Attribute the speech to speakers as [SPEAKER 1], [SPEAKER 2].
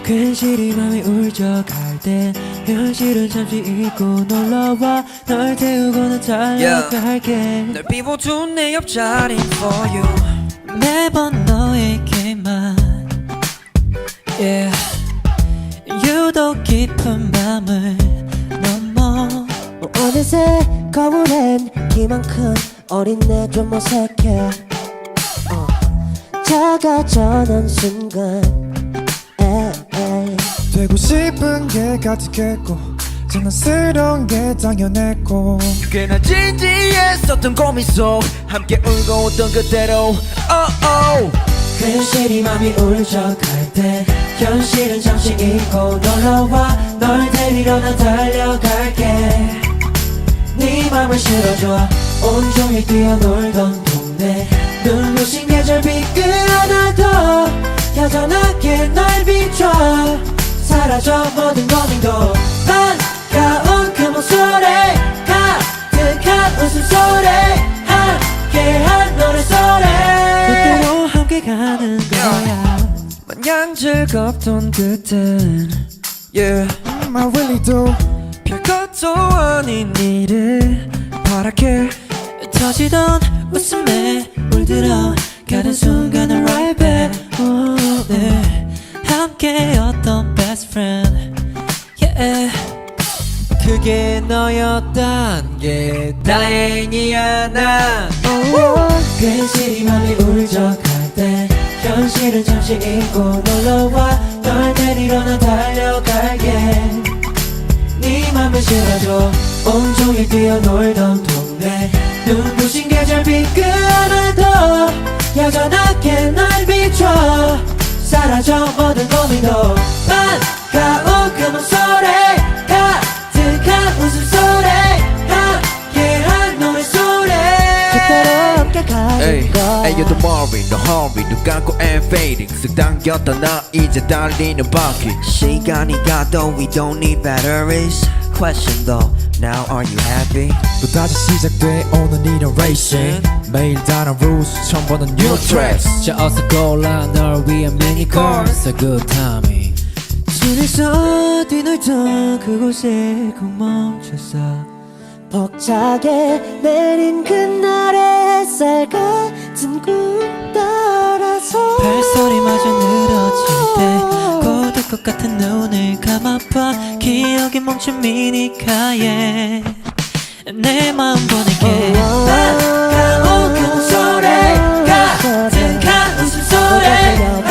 [SPEAKER 1] 괜시리 맘이 울적할 때 현실은 잠시 잊고 놀러와 널 태우고는 달려갈게
[SPEAKER 2] 널 비워둔 내 옆자리 for you
[SPEAKER 1] 매번 너에게만 유독 깊은 밤을 넘어
[SPEAKER 3] 어느새 거울엔 키만큼 어린 내 좀 어색해 작아져는 순간
[SPEAKER 4] 되고 싶은 게 가득했고 장난스러운 게 당연했고
[SPEAKER 2] 꽤나 진지했었던 고민 속 함께 울고 웃던 그대로
[SPEAKER 1] 괜시리 맘이 울적할 때 현실은 잠시 잊고 놀러와 널 데리러 난 달려갈게 네 맘을 실어줘 온종일 뛰어놀던 동네 눈부신 계절비 끄어놔도 여전하게 날 비춰 사라져 모든 고민도 반가운 그 목소리 가득한 웃음소리 함께한 노래소리 그대로 함께 가는 거야
[SPEAKER 2] 마냥 즐겁던 그땐
[SPEAKER 4] I really do
[SPEAKER 2] 별것도 아닌 일을 바랄게
[SPEAKER 1] 터지던 웃음에 물들어 가는 순간을 right back 네. 함께였던 best friend 그게 너였단 게 다행이야 난 괜시리 맘이 울적할 때 현실은 잠시 잊고 놀러와 널 데리러 난 달려갈게 네 맘을 실어줘 온종일 뛰어놀던 동네 눈부신 계절비 끄어놔도 여전하게 날 비춰 사라져 모든 고민도 반가운 그 목소리 가득한 웃음소리 함께한 노래소리
[SPEAKER 3] 그대로 함께 가는 거야
[SPEAKER 2] Ayo don't worry no hurry 눈 감고 and fading 쓱 당겼던 나 이제 달리는 바퀴 시간이 가도 we don't need batteries Question though now are you happy
[SPEAKER 4] 또다시 시작돼 오늘 이런 racing 매일 다른 rules 처음 보는 new tracks
[SPEAKER 1] 자 어서 골라 널 위한 mini course A good timing 손에서 뒤놀던 그곳에 꼭 멈췄어
[SPEAKER 3] 벅차게 내린 그날의 햇살 같은 꿈 따라서
[SPEAKER 1] 발소리마저 늘어질 때 고독 것 같은 눈을 감아봐 기억이 멈춘 미니카에 내 마음 보낼게 반가운 그 목소리 가득한 웃음소리